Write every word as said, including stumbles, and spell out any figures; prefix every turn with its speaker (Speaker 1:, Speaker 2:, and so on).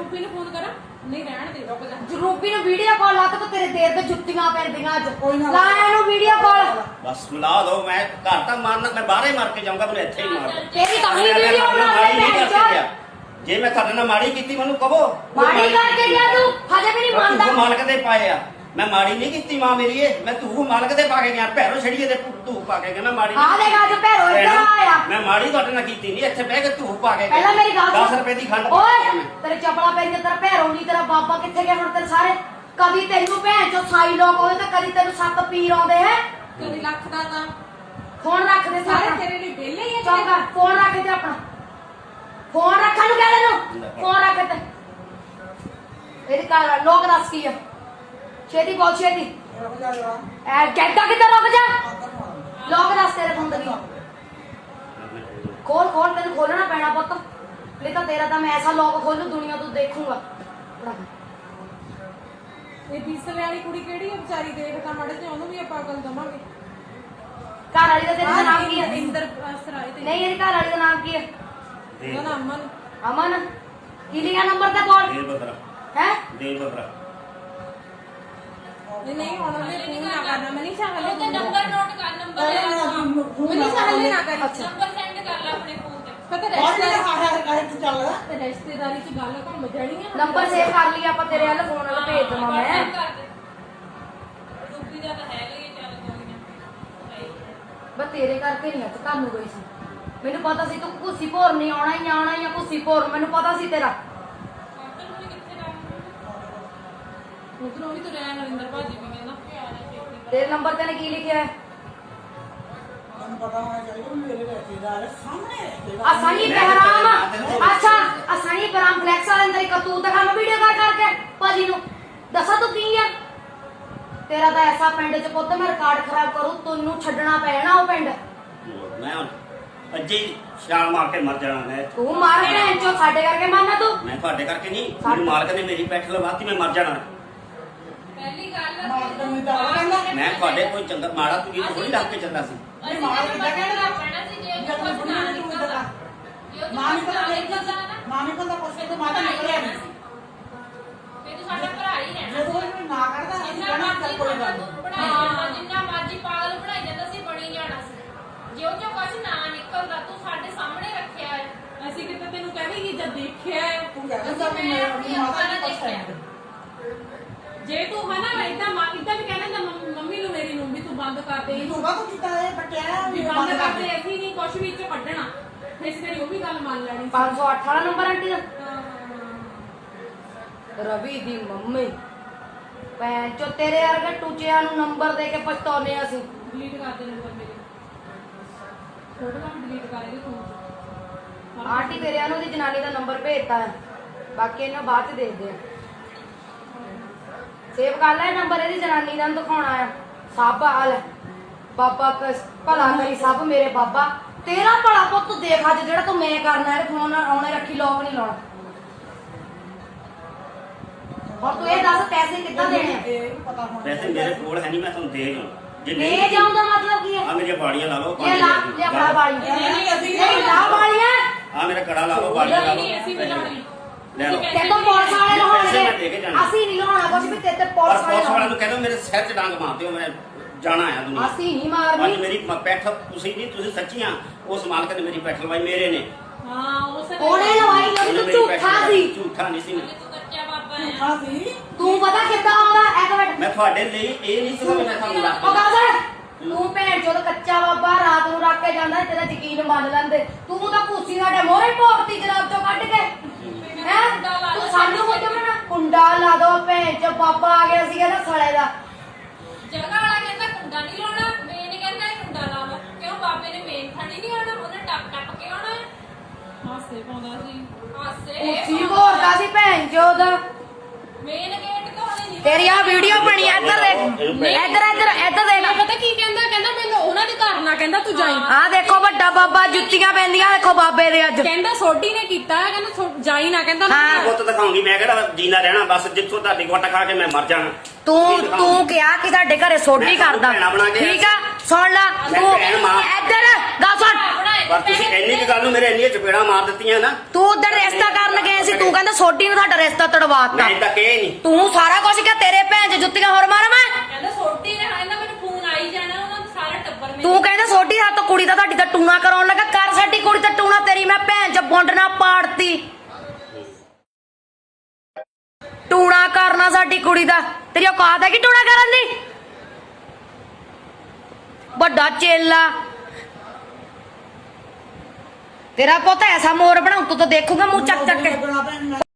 Speaker 1: ਰੂਪੀ ਨੂੰ ਫੋਨ ਕਰਾਂ ਨਹੀਂ ਰਹਿਣ ਦੇ ਰੁਕ ਜਾ
Speaker 2: ਰੂਪੀ ਨੂੰ ਵੀਡੀਓ ਕਾਲ ਲਾ ਤੇ ਤੇਰੇ ਦੇਰ ਤੇ ਜੁੱਤੀਆਂ ਪੈਂਦੀਆਂ ਅੱਜ ਲਾ ਇਹਨੂੰ ਵੀਡੀਓ ਕਾਲ
Speaker 3: ਬਸ ਮਿਲਾ ਦੋ ਮੈਂ ਘਰ ਤਾਂ ਮਾਰਨਾ ਮੈਂ ਬਾਹਰ ਹੀ ਮਾਰ ਕੇ ਜਾਊਂਗਾ ਮੈਨੂੰ ਇੱਥੇ ਹੀ ਮਾਰ ਦੋ
Speaker 2: ਤੇਰੀ ਤਾਂ ਹੀ ਵੀਡੀਓ ਬਣਾ ਲੈ
Speaker 3: ਜੇ ਮੈਂ ਤੁਹਾਡੇ ਨਾਲ ਮਾੜੀ ਕੀਤੀ ਮੈਨੂੰ ਕਹੋ
Speaker 2: ਮਾੜੀ ਕਰਕੇ ਗਿਆ ਤੂੰ ਹਜੇ ਵੀ ਨਹੀਂ ਮੰਨਦਾ
Speaker 3: ਤੂੰ ਮਾਲਕ ਦੇ ਪਾਏ ਆ ਮੈਂ ਮਾੜੀ ਨਹੀਂ ਕੀਤੀ ਮਾਂ ਮੇਰੀ ਇਹ ਮੈਂ ਤੂੰ ਮਾਲਕ ਦੇ ਪਾ ਕੇ ਗਿਆ ਭੈਰੋ ਛੜੀਏ ਦੇ ਤੂੰ ਪਾ ਕੇ ਗਿਆ ਮੈਂ ਮਾੜੀ
Speaker 2: ਆ ਦੇਖ ਅੱਜ ਭੈਰੋ ਇੱਧਰ ਆਇਆ
Speaker 3: ਮੈਂ ਮਾੜੀ ਤੁਹਾਡੇ ਨਾਲ ਕੀਤੀ ਨਹੀਂ ਇੱਥੇ ਬਹਿ ਕੇ ਤੂੰ ਪਾ ਕੇ
Speaker 2: ਪਹਿਲਾਂ ਮੇਰੀ ਗੱਲ
Speaker 3: ਦਸ ਰੁਪਏ ਦੀ ਖੰਡ
Speaker 2: ਓਏ ਤੇਰੇ ਚਪਲਾ ਪੈਂਦੇ ਤੇਰਾ ਭੈਰੋ ਨਹੀਂ ਤੇਰਾ ਬਾਬਾ ਕਿੱਥੇ ਗਿਆ ਹੁਣ ਤੇਰੇ ਸਾਰੇ ਕਦੀ ਤੈਨੂੰ ਭੈਣ ਚੋ ਸਾਈ ਲੋਕ ਹੋਏ ਤਾਂ ਕਦੀ ਤੈਨੂੰ ਸੱਤ ਪੀਰ ਆਉਂਦੇ ਹੈ
Speaker 1: ਕਦੀ ਲੱਖ ਦਾ ਤਾਂ
Speaker 2: ਫੋਨ ਰੱਖ ਦੇ
Speaker 1: ਸਾਰੇ ਤੇਰੇ ਲਈ ਵਿਹਲੇ ਹੀ ਆ
Speaker 2: ਚੌਂਕਾ ਫੋਨ ਰੱਖ ਦੇ ਆਪਣਾ ਫੋਨ ਰੱਖਣ ਨੂੰ ਕਹਿ ਤੈਨੂੰ ਫੋਨ ਰੱਖ ਤੇ ਇਹਦੀ ਘਰ ਲੋਕ ਦੱਸ ਕੀ ਆ ਛੇਤੀ ਬੋਲ ਛੇਤੀ ਐ ਕਹਿੰਦਾ ਕਿੱਧਰ ਰੁਕ ਜਾ ਲੋਕ ਦੱਸ ਤੇਰੇ ਫੋਨ ਦੀ ਖੋਲ ਖੋਲ ਤੈਨੂੰ ਖੋਲਣਾ ਪੈਣਾ ਪੁੱਤ ਨਹੀਂ ਤਾਂ ਤੇਰਾ ਤਾਂ ਮੈਂ ਐਸਾ ਲੋਕ ਖੋਲੂ ਦੁਨੀਆ ਤੋਂ ਦੇਖੂਗਾ
Speaker 1: ਇਹ ਬੀਸਲੇ ਵਾਲੀ ਕੁੜੀ ਕਿਹੜੀ ਹੈ ਵਿਚਾਰੀ ਦੇਖ ਤਾਂ ਮੜੇ ਤੇ ਉਹਨੂੰ ਵੀ ਆਪਾਂ ਅਕਲ ਦਵਾਂਗੇ
Speaker 2: ਘਰ ਵਾਲੀ ਦਾ ਤੇਰਾ ਨਾਮ ਕੀ ਹੈ
Speaker 1: ਇੰਦਰ ਸਰਾਏ ਤੇ
Speaker 2: ਨਹੀਂ ਇਹਦੀ ਘਰ ਵਾਲੀ ਦਾ ਨਾਮ ਕੀ ਹੈ
Speaker 1: ਉਹਦਾ ਨਾਮ ਅਮਨ
Speaker 2: ਅਮਨ ਕੀ ਲਿਆ ਨੰਬਰ ਤੇ ਕੋਲ
Speaker 3: ਦੇਰ ਬਦਰਾ
Speaker 2: ਹੈ
Speaker 3: ਦੇਰ ਬਦਰਾ
Speaker 1: ਨਹੀਂ ਨਹੀਂ ਹੁਣ ਉਹਨੇ ਫੋਨ ਨਾ ਕਰਨਾ ਮੈਂ ਨਹੀਂ ਚਾਹਲੇ
Speaker 4: ਉਹਦਾ ਨੰਬਰ ਨੋਟ ਕਰ ਨੰਬਰ
Speaker 1: ਮੈਂ ਨਹੀਂ ਚਾਹਲੇ ਨਾ ਕਰ
Speaker 4: ਨੰਬਰ ਸੈਂਡ ਕਰ ਲੈ ਆਪਣੇ ਫੋਨ ਤੇ
Speaker 1: ਪਤਾ ਰਿਸ਼ਤੇਦਾਰੀ ਤੇ ਰਿਸ਼ਤੇਦਾਰੀ ਚ ਗੱਲ ਘੁੰਮ ਜਾਣੀ ਆ
Speaker 2: ਨੰਬਰ ਸੇਵ ਕਰ ਲਈ ਆਪਾਂ ਤੇਰੇ ਵੱਲ ਫੋਨ ਵੱਲ ਭੇਜ ਦਵਾਂ ਮੈਂ
Speaker 4: ਰੂਪੀ ਦਾ ਤਾਂ ਹੈਗਾ ਹੀ ਚੱਲ ਕੋਈ ਨਾ
Speaker 2: ਬਸ ਤੇਰੇ ਕਰਕੇ ਨਹੀਂ ਅੱਜ ਤੁਹਾਨੂੰ ਗਈ ਸੀ ਮੈਨੂੰ ਪਤਾ ਸੀ ਤੂੰ ਕੁੱਸੀ ਭੋਰ ਨਹੀਂ ਆਉਣਾ ਹੀ ਆਉਣਾ ਹੀ ਆ ਕੁੱਸੀ ਭੋਰ ਮੈਨੂੰ ਪਤਾ ਸੀ ਤੇਰਾ
Speaker 1: ਉਧਰੋਂ ਵੀ ਤਾਂ ਰਹਿ ਨਰਿੰਦਰ ਭਾਜੀ ਵੀ ਕਹਿੰਦਾ
Speaker 2: ਤੇਰੇ ਨੰਬਰ ਤੇ ਨੇ ਕੀ ਲਿਖਿਆ ਹੈ
Speaker 5: ਪਤਾ ਹੋਣਾ ਚਾਹੀਦਾ ਮੇਰੇ ਰਿਸ਼ਤੇਦਾਰ ਸਾਹਮਣੇ
Speaker 2: ਅਸਾਨੀ ਬਹਿਰਾਮ ਅੱਛਾ ਅਸਾਨੀ ਬਹਿਰਾਮ ਫਲੈਕਸ ਵਾਲੇ ਅੰਦਰ ਇੱਕ ਤੂੰ ਦਿਖਾ ਮੈਂ ਵੀਡੀਓ ਕਾਲ ਕਰਕੇ ਭਾਜੀ ਨੂੰ ਦੱਸਾਂ ਤੂੰ ਕੀ ਆ ਤੇਰਾ ਤਾਂ ਐਸਾ ਪਿੰਡ ਚ ਪੁੱਤ ਮੈਂ ਰਿਕਾਰਡ ਖਰਾਬ ਕਰੂ ਤੈਨੂੰ ਛੱਡਣਾ ਪੈਣਾ ਉਹ ਪਿੰਡ
Speaker 3: ਮੈਂ ਅੱਜੇ ਹੀ ਛਾਲ ਮਾਰ ਕੇ ਮਰ ਜਾਣਾ ਮੈਂ
Speaker 2: ਤੂੰ ਮਾਰ ਭੈਣ ਚੋ ਸਾਡੇ ਕਰਕੇ ਮਾਰਨਾ ਤੂੰ
Speaker 3: ਮੈਂ ਤੁਹਾਡੇ ਕਰਕੇ ਨਹੀਂ ਮੇਰੇ ਮਾਲਕ ਨੇ ਮੇਰੀ ਪੈਠ ਲਵਾਤੀ ਮੈਂ ਮਰ ਜਾਣਾ
Speaker 4: ਪਹਿਲੀ ਗੱਲ
Speaker 3: ਮੈਂ ਤੁਹਾਡੇ ਕੋਈ ਚੰਗਾ ਮਾੜਾ ਤੂੰ ਇਹ ਥੋੜੀ ਰੱਖ ਕੇ ਚੱਲਦਾ ਸੀ
Speaker 4: ਅਸੀਂ ਨੰਬਰ ਸੈਂਡ ਕਰਨਾ ਸੀ ਜੇ ਉਹ ਕੁਝ ਨਾ ਨਿਕਲਦਾ
Speaker 5: ਮਾਂ ਨੂੰ ਪਤਾ ਨਹੀਂ
Speaker 4: ਨਿਕਲਦਾ ਨਾ
Speaker 5: ਮਾਂ ਨੂੰ ਪਤਾ ਪੁੱਛੇ ਤਾਂ ਮਾਂ ਤਾਂ ਨਿਕਲਿਆ ਨਹੀਂ
Speaker 4: ਫਿਰ ਤੂੰ ਸਾਡਾ ਭਰਾ ਹੀ ਰਹਿਣਾ
Speaker 5: ਜਦੋਂ ਇਹ ਨਾ ਕਰਦਾ ਅਸੀਂ
Speaker 4: ਜਿੰਨਾ
Speaker 5: ਕਹਿਣਾ
Speaker 4: ਮਰਜ਼ੀ
Speaker 5: ਕੋਈ ਗੱਲ
Speaker 4: ਤੂੰ ਬਣਾਈ ਜਾਂਦਾ ਜਿੰਨਾ ਮਰਜ਼ੀ ਪਾਗਲ ਬਣਾਈ ਜਾਂਦਾ ਸੀ ਬਣੀ ਜਾਣਾ ਸੀ ਜੇ ਉਹ ਚੋਂ ਕੁਝ ਨਾ ਨਿਕਲਦਾ ਤੂੰ ਸਾਡੇ ਸਾਹਮਣੇ ਰੱਖਿਆ ਹੈ
Speaker 1: ਅਸੀਂ ਕਿਤੇ ਤੈਨੂੰ ਕਹਿਣੀ ਜਦ ਦੇਖਿਆ ਹੈ
Speaker 5: ਤੂੰ ਕਹਿੰਦਾ
Speaker 4: ਅਸੀਂ ਮੈਂ ਆਪਣੀ ਅੱਖਾਂ ਨਾਲ ਦੇਖਿਆ
Speaker 1: ਜੇ ਤੂੰ ਹੈ ਨਾ ਇਦਾਂ ਮਾਂ ਇਦਾਂ ਵੀ ਕਹਿਣਾ ਤਾਂ ਮੰਮੀ ਨੂੰ ਮੇਰੀ ਨੂੰ ਵੀ ਤੂੰ ਬੰਦ ਕਰ ਦੇ
Speaker 5: ਤੂੰ ਕਾ ਕੀਤਾ ਇਹ ਬਟਿਆ
Speaker 1: ਵੀ ਬੰਦ ਕਰ ਦੇ ਅਸੀਂ ਨਹੀਂ ਕੁਝ ਵੀ ਚ ਕੱਢਣਾ ਇਸ ਤੇਰੀ ਉਹ ਵੀ ਗੱਲ ਮੰਨ ਲੈਣੀ
Speaker 2: ਪੰਜ ਸੌ ਅੱਠ ਵਾਲਾ ਨੰਬਰ ਆਂਟੀ ਦਾ ਰਵੀ ਦੀ ਮੰਮੀ ਭੈਣ ਚੋ ਤੇਰੇ ਵਰਗੇ ਟੂਚਿਆਂ ਨੂੰ ਨੰਬਰ ਦੇ ਕੇ ਪਛਤਾਉਨੇ ਆ ਅਸੀਂ
Speaker 1: ਡਿਲੀਟ ਕਰ ਦੇ ਨੰਬਰ ਮੇਰੇ ਫੋਟੋ ਨਾ ਡਿਲੀਟ ਕਰ ਦੇ ਤੂੰ
Speaker 2: ਆਂਟੀ ਤੇਰੇ ਨੂੰ ਦੀ ਜਨਾਨੀ ਦਾ ਨੰਬਰ ਭੇਜਤਾ ਹੈ ਬਾਕੀ ਇਹਨਾਂ ਬਾਅਦ ਚ ਦੇਖਦੇ ਆ ਸੇਵ ਕਰ ਲੈ ਨੰਬਰ ਇਹਦੀ ਜਨਾਨੀ ਦਾ ਦਿਖਾਉਣਾ ਆ ਸਭ ਹਾਲ ਬਾਬਾ ਭਲਾ ਕਰੀ ਸਭ ਮੇਰੇ ਬਾਬਾ ਤੇਰਾ ਭਲਾ ਪੁੱਤ ਦੇਖ ਅੱਜ ਜਿਹੜਾ ਤੂੰ ਮੈਂ ਕਰਨਾ ਹੈ ਫੋਨ ਆਉਣੇ ਰੱਖੀ ਲੋਕ ਨਹੀਂ ਲਾਉਣਾ ਹੁਣ ਤੂੰ ਇਹ ਦੱਸ ਪੈਸੇ ਕਿੱਦਾਂ ਦੇਣੇ ਆ
Speaker 5: ਇਹ ਪਤਾ ਹੋਣਾ
Speaker 3: ਵੈਸੇ ਮੇਰੇ ਕੋਲ ਹੈ ਨਹੀਂ ਮੈਂ ਤੁਹਾਨੂੰ ਦੇ ਜਾਉਂ ਜੇ
Speaker 2: ਲੈ ਜਾਉਂ ਦਾ ਮਤਲਬ ਕੀ ਹੈ
Speaker 3: ਆ ਮੇਰੀਆਂ ਬਾੜੀਆਂ ਲਾ ਲਓ
Speaker 2: ਇਹ ਲਾ ਲੈ ਆਪਣਾ ਬਾਲੀ
Speaker 5: ਨਹੀਂ ਅਸੀਂ
Speaker 2: ਨਹੀਂ ਲਾ ਬਾਲੀਆਂ
Speaker 3: ਆ ਮੇਰਾ ਕੜਾ ਲਾ ਲਓ ਬਾੜੀਆਂ ਲਾ ਲਓ
Speaker 1: ਨਹੀਂ ਅਸੀਂ ਵੀ ਲਾਉਣੀ
Speaker 3: ਲੈ ਲਓ
Speaker 2: ਤੇ ਤਾਂ ਪੁਲਿਸ ਵਾਲੇ
Speaker 3: ਪੈਸੇ ਮੈਂ ਦੇ ਕੇ
Speaker 2: ਲਾਉਣਗੇ
Speaker 3: ਜਾਣਾ।
Speaker 2: ਅਸੀਂ ਨਹੀਂ ਲਾਉਣਾ ਕੁਝ ਵੀ ਤੇ ਤੇ
Speaker 3: ਪਰ
Speaker 2: ਪੁਲਿਸ ਵਾਲੇ
Speaker 3: ਪੁਲਿਸ ਵਾਲਿਆਂ
Speaker 2: ਲਾਉਣਗੇ
Speaker 3: ਨੂੰ ਕਹਿੰਦਾ ਮੇਰੇ ਸਿਰ 'ਚ ਡਾਂਗ ਮਾਰ ਦਿਓ ਮੈਂ ਜਾਣਾ ਆ ਦੁਨੀਆ
Speaker 2: ਅਸੀਂ ਨਹੀਂ
Speaker 3: ਅੱਜ
Speaker 2: ਮਾਰਨੀ
Speaker 3: ਮੇਰੀ ਮ- ਪੈਠ ਤੁਸੀਂ ਨਹੀਂ ਤੁਸੀਂ ਸੱਚੀਆਂ ਉਸ ਮਾਲਕ ਨੇ ਮੇਰੀ ਪੈਠ ਲਵਾਈ ਮੇਰੇ ਨੇ
Speaker 1: ਹਾਂ ਉਸ
Speaker 2: ਉਹਨੇ ਲਵਾਈ ਜਦੋਂ
Speaker 3: ਉਹਨੇ
Speaker 2: ਤੂੰ
Speaker 3: ਮੇਰੀ ਪੈਠ
Speaker 2: ਝੂਠਾ
Speaker 3: ਲਵਾਈ,
Speaker 2: ਸੀ
Speaker 3: ਝੂਠਾ ਨਹੀਂ ਸੀ ਮੈਂ।
Speaker 4: ਤੂੰ ਕੱਚਾ ਬਾਬਾ ਹੈ
Speaker 5: ਹਾਂ ਸੀ
Speaker 2: ਤੂੰ ਪਤਾ ਕਿੱਦਾਂ ਆਉਂਦਾ ਇੱਕ ਮਿੰਟ
Speaker 3: ਮੈਂ ਤੁਹਾਡੇ ਲਈ ਇਹ ਨਹੀਂ ਸੀਗਾ ਕਿ ਮੈਂ ਤੁਹਾਨੂੰ ਰੱਖ
Speaker 2: ਉਹ ਗੱਲ ਸੁਣ ਤੂੰ ਭੈਣ ਚੋਦ ਕੱਚਾ ਬਾਬਾ ਰਾਤ ਨੂੰ ਰੱਖ ਕੇ ਜਾਂਦਾ ਤੇਰਾ ਯਕੀਨ ਮੰਨ ਲੈਂਦੇ ਤੂੰ ਤਾਂ ਭੂਸੀ ਸਾਡੇ ਮੋਹਰੇ ਭੋਗਤੀ ਜਰਾਬ ਚੋਂ ਕੱਢ ਕੇ ਹੈ ਤੂੰ ਸਾਨੂੰ ਮੁੱਝ ਮਣਾ ਕੁੰਡਾ ਲਾ ਦੋ ਭੈਣ ਚੋ ਬਾਬਾ ਆ ਗਿਆ ਸੀਗਾ ਨਾ ਸੜੇ ਦਾ
Speaker 4: ਜਗ੍ਹਾ ਵਾਲਾ ਕਹਿੰਦਾ ਕੁੰਡਾ ਨਹੀਂ ਲਾਉਣਾ ਮੇਨ ਕਹਿੰਦਾ ਇਹ ਕੁੰਡਾ ਲਾ ਲਓ ਕਿਉਂ ਬਾਬੇ ਨੇ ਮੇਨ ਥਾਣੀ ਨਹੀਂ ਆਉਣਾ ਉਹਨੇ ਟੱਪ ਟੱਪ ਕੇ ਆਉਣਾ ਹੈ
Speaker 1: ਹਾਸੇ ਪਾਉਂਦਾ ਸੀ
Speaker 4: ਹਾਸੇ
Speaker 2: ਉੱਚੀ ਘੋਰਦਾ ਸੀ ਭੈਣ ਚੋਦ
Speaker 4: ਮੇਨ ਗੇਟ ਤੋਂ ਉਹਨੇ ਨਹੀਂ
Speaker 2: ਤੇਰੀ ਆ ਵੀਡੀਓ ਬਣੀ ਆ, ਇੱਧਰ ਦੇਖ ਇੱਧਰ ਇੱਧਰ ਇੱਧਰ ਦੇਖ
Speaker 1: ਪਤਾ ਕੀ ਕਹਿੰਦਾ ਕਹਿੰਦਾ ਮੈਨੂੰ ਉਹਨਾਂ ਦੇ ਘਰ ਨਾ ਕਹਿੰਦਾ ਤੂੰ ਜਾਈ
Speaker 2: ਆ ਦੇਖੋ ਵੱਡਾ ਬਾਬਾ ਜੁੱਤੀਆਂ ਪੈਂਦੀਆਂ ਦੇਖੋ ਬਾਬੇ ਦੇ ਅੱਜ
Speaker 1: ਕਹਿੰਦਾ ਸੋਢੀ ਨੇ ਕੀਤਾ ਕਹਿੰਦਾ ਥੋ- ਜਾਈ ਨਾ ਕਹਿੰਦਾ
Speaker 2: ਹਾਂ।
Speaker 3: ਪੁੱਤ ਦਿਖਾਉਂਗੀ ਮੈਂ ਕਿਹੜਾ ਜੀਣਾ ਰਹਿਣਾ ਬਸ ਜਿੱਥੋਂ ਤੁਹਾਡੀ ਗੁੱਟ ਖਾ ਕੇ ਮੈਂ ਮਰ ਜਾਣਾ
Speaker 2: ਤੂੰ ਤੂੰ ਕਿਹਾ ਕਿ ਸਾਡੇ ਘਰੇ ਸੋਢੀ ਕਰਦਾ ਠੀਕ ਆ ਸੁਣ ਲੈ ਤੂੰ ਇੱਧਰ ਗੱਲ ਸੁਣ
Speaker 3: ਪਰ ਤੁਸੀਂ ਇੰਨੀ ਕੁ ਗੱਲ ਨੂੰ ਮੇਰੇ ਇੰਨੀਆਂ ਚਪੇੜਾਂ ਮਾਰ ਦਿੱਤੀਆਂ ਨਾ
Speaker 2: ਤੂੰ ਉਧਰ ਰਿਸ਼ਤਾ ਕਰਨ ਗਏ ਸੀ ਤੂੰ ਕਹਿੰਦਾ ਸੋਢੀ ਨੂੰ ਤੁਹਾਡਾ ਰਿਸ਼ਤਾ ਤੜਵਾਤਾ
Speaker 3: ਮੈਂ ਤਾਂ ਕਹੇ ਨਹੀਂ
Speaker 2: ਤੂੰ ਸਾਰਾ ਕੁਝ ਕਿਹਾ ਤੇਰੇ ਭੈਣ ਚ ਜੁੱਤੀਆਂ ਹੋਰ ਮਾਰਾਂ ਮੈਂ
Speaker 4: ਕਹਿੰਦਾ ਸੋਟੀ ਨੇ ਕਹਿੰਦਾ ਮੈਨੂੰ ਫੋਨ ਆਈ ਜਾਣਾ ਉਹਨਾਂ ਦਾ ਸਾਰਾ ਟੱਬਰ ਮੇਰੇ
Speaker 2: ਤੂੰ ਕਹਿੰਦਾ ਸੋਢੀ ਹੱਥ ਕੁੜੀ ਦਾ ਤੁਹਾਡੀ ਦਾ ਟੂਣਾ ਕਰਾਉਣ ਲੱਗਾ ਕਰ ਸਾਡੀ ਕੁੜੀ ਦਾ ਟੂਣਾ ਤੇਰੀ ਮੈਂ ਭੈਣ ਚ ਬੁੰਡਣਾ ਪਾੜਤੀ ਟੂਣਾ ਕਰਨਾ ਸਾਡੀ ਕੁੜੀ ਦਾ ਤੇਰੀ ਔਕਾਤ ਹੈ ਕਿ ਟੂਣਾ ਕਰਨ ਦੀ ਵੱਡਾ ਚੇਲਾ ਤੇਰਾ ਪੁੱਤ ਐਸਾ ਮੋਰ ਬਣਾਉ ਤੂੰ ਤਾਂ ਦੇਖੂਗਾ ਮੂੰਹ ਚੱਕ ਚੱਕ ਕੇ
Speaker 5: ਲੱਗਣਾ ਭੈਣ